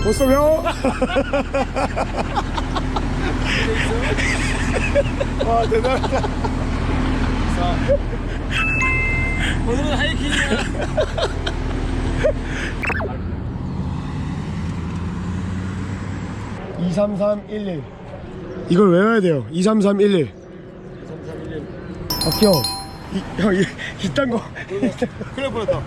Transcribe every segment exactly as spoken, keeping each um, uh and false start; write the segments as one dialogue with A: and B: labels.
A: 못 쏘면 와 대단하다.
B: 오늘은 하이킹이야.
A: 이삼삼일일 이걸 외워야 돼요. 이삼삼일일
B: 이삼삼일일.
A: 박형 이, 형 이, 이딴 거
B: 그래 보였다.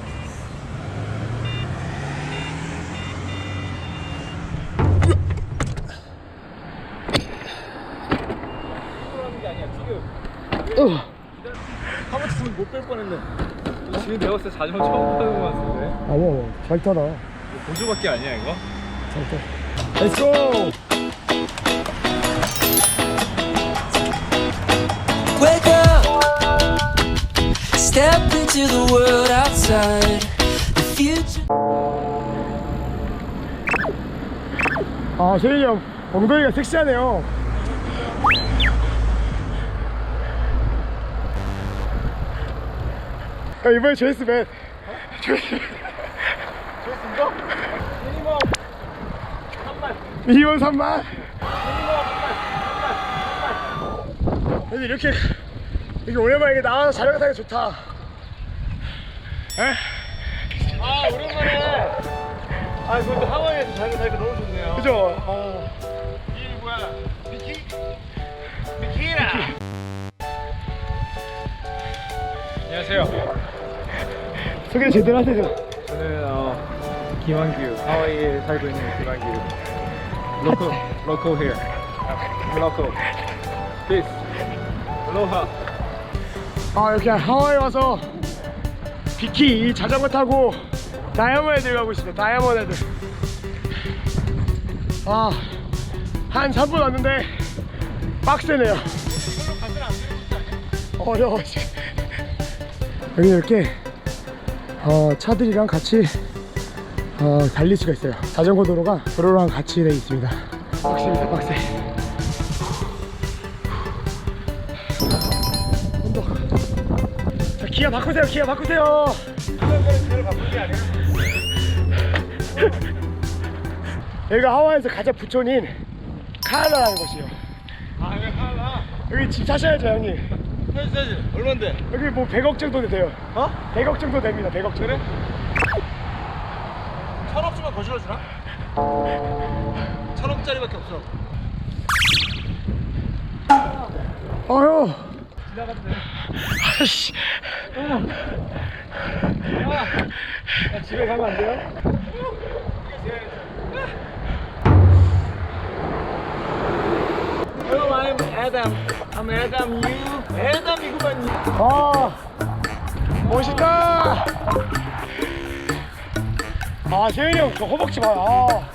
A: 어.
B: 한번 쳤으면 못 뺄 뻔했네. 지금 내가 봤을 때 자전거 처음 타는 것 같은데.
A: 아뭐 잘 타라.
B: 보조밖에 아니야 이거?
A: 잘 타. Let's go.
C: Wake up, step into the world outside. The future.
A: 아 세윤이 형 엉덩이가 섹시하네요. 야, 이번에 제이스맨
B: 좋습니다. 미니멈 삼만.
A: 미니멈 삼만. 근데 이렇게 이렇게 오랜만에 이렇게 나와서 자전거 타기 좋다. 에?
B: 아 오랜만에. 아 그것도 하와이에서 자전거 타니까 너무 좋네요.
A: 그죠?
B: 어. 이 뭐야? 비키? 비키라. 안녕하세요.
A: 소개 제대로 하세요.
B: 저는 어, 김한규, 하와이에 살고 있는 김한규. 로코, 로코 here. 로코. Peace. Aloha.
A: 아 이렇게 하와이 와서 비키 이 자전거 타고 다이아몬드 헤드 가고 있습니다. 다이아몬드 헤드. 아 한 삼 분 왔는데 빡세네요. 어려워. 여기 이렇게 어, 차들이랑 같이 어, 달릴 수가 있어요. 자전거 도로가 도로랑 같이 되어 있습니다. 빡셉니다. 빡세. 온도. 자 기아 바꾸세요. 기아 바꾸세요. 여기가 하와이에서 가장 부촌인 카알라라는 곳이에요.
B: 아 이거 하나.
A: 여기 집 사셔야죠 형님.
B: 사지 사지. 얼마인데?
A: 여기 뭐 백억 정도 돼요.
B: 어?
A: 백억 정도 됩니다. 백억 정도.
B: 그래? 천억쯤만 거실러 주나? 천억짜리밖에 없어.
A: 어휴.
B: 지나가도 돼.
A: 아씨.
B: 야, 집에 가면 안 돼요? Hello, I'm Adam. I'm Adam. You? Adam 이구만.
A: 아 멋있다. 아 세윤이 형 저 허벅지 봐. 아.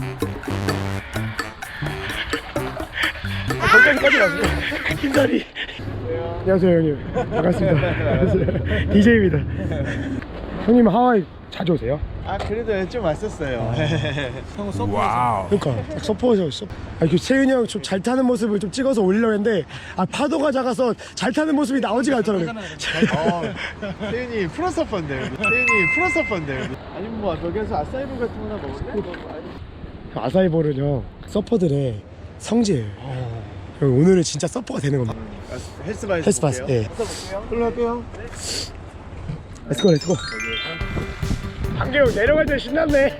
A: 아 거기까지 가세요. 흰다리. 안녕하세요 형님. 반갑습니다. 디제이입니다. 형님 하와이 자주 오세요?
D: 아 그래도 좀 왔었어요.
B: 형 서프에서.
A: 그러니까 딱 서포에서 있어. 아, 그 세윤이 형 좀 잘 타는 모습을 좀 찍어서 올리려고 했는데 아 파도가 작아서 잘 타는 모습이 나오지가 않더라고요.
D: 어, 태윤이 프로 서퍼인데 여기. 태윤이 프로 서퍼인데 여기. 아니면 뭐 여기서 아사이볼 같은 거나 먹을래? 뭐, 아니.
A: 아사이볼은요 서퍼들의 성지예요. 형, 오늘은 진짜 서퍼가 되는 겁니다.
D: 아, 헬스바에서
A: 헬스바스,
D: 볼게요.
A: 예.
D: 볼게요. 일로 갈게요.
A: 렛츠고 렛츠고. 한계형 내려갈 때 신났네.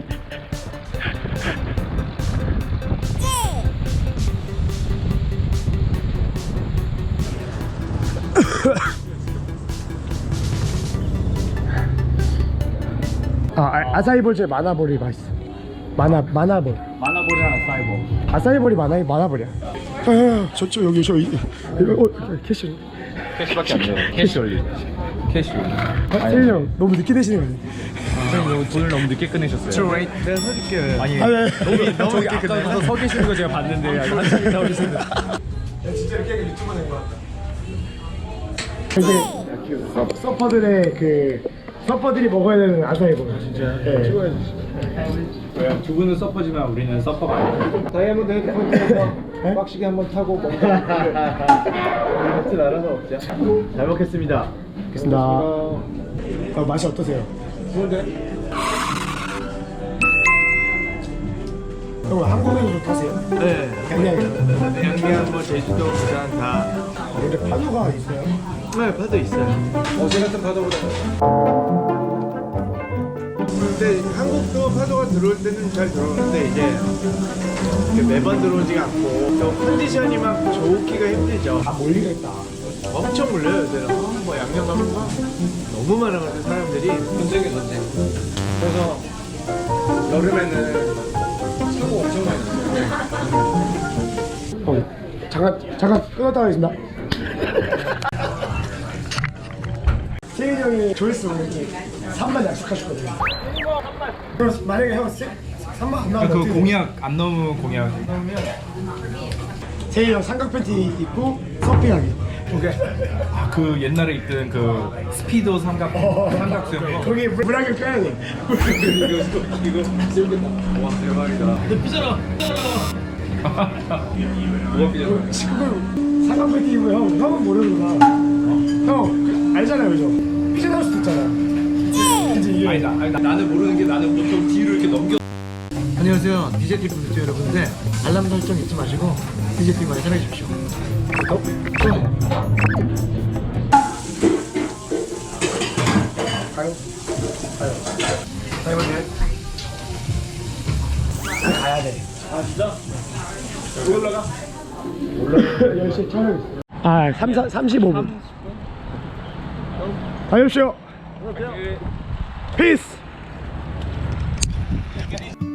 A: 아, 아 아사이볼 중에 마나볼이 맛있어. 마나 마나볼.
B: 마나볼이랑 아사이볼.
A: 아사이볼이 마나 마나볼이야. 아, 저쪽 여기 저 이, 이거 어, 캐시.
B: 캐시밖에 안 돼. 캐시 올리. 캐시.
A: 아, 세윤이 형 너무 늦게 되시는 거 아니에요?
B: 형 돈을 너무 늦게 끝내셨어요.
D: 내가 사줄게요.
B: 아니
A: 아, 네.
B: 너무 너무 늦게 끝내서 서 계시는 거 제가 봤는데 아직 한참 있다고 계시는데.
A: 진짜 이렇게 유튜브 낸 거 같다. 이제 서, 서퍼들의 그 서퍼들이 먹어야 되는 아사이볼. 진짜. 네.
B: 왜요? 두 분은 서퍼지만 우리는 서퍼가 아니에요.
D: 다이아몬드 헤드폰에서
A: 네?
D: 빡시게 한번 타고 먹자. 같이 나눠서 먹자. 잘 먹겠습니다.
A: 알겠습니다. 어, 맛이 어떠세요?
D: 좋은데?
A: 형 한국에서도 타세요?
D: 네.
A: 양양에서.
D: 양양, 뭐 제주도, 부산 다.
A: 근데 파도가 있어요?
D: 네, 파도 있어요.
B: 어제 같은 파도보다.
D: 근데 한국도 파도가 들어올 때는 잘 들어오는데 이제 이렇게 매번 들어오지가 않고 또 컨디션이 막 좋기가 힘들죠.
A: 아 몰리겠다.
D: 엄청 몰려요. 요새는. 어, 뭐 양양 가면 막 너무 많아가지고 사람들이.
B: 전쟁이 전쟁. 그래서 여름에는 사고 엄청 많이 났어요.
A: 어, 잠깐 잠깐 끊었다 가겠습니다. 세윤이 형이 조회수 오르기 삼만 약속하셨거든요. 그럼 만약에 형 삼만 안 나오면
E: 그
A: 어떻게
E: 공약 안 넘으면 공약.
A: 세윤이 형 삼각 팬티 입고 서핑하기. 오케이.
E: 아, 그 옛날에 있던 그 스피도 삼각 삼각수영 거.
A: 거기 물하게 빼야 돼.
E: 이거 재밌겠다.
B: 와 대박이다.
E: 근데 삐져라.
B: 뭐가 삐졌어?
A: 그걸 삼각 팬티 입으면 형 형은 모르는구나. 형 그, 알잖아요, 그죠? 삐져나올 수도 있잖아. 그치 이게.
E: 아니다, 아니다. 나는 모르는 게 나는 보통 뒤로 이렇게 넘겨.
A: 안녕하세요. 디제이 분 여러분들 알람 설정 잊지 마시고 디제이 많이 사랑해 주십시오. 구독, 좋아요. 가요? 가요. 가요, 돼? 아, 가야 돼.
B: 아 진짜? 왜 올라가?
A: 올라 열 시에 촬영 있어요. 아, 삼, 삼십오 분. 가십시오. 피스.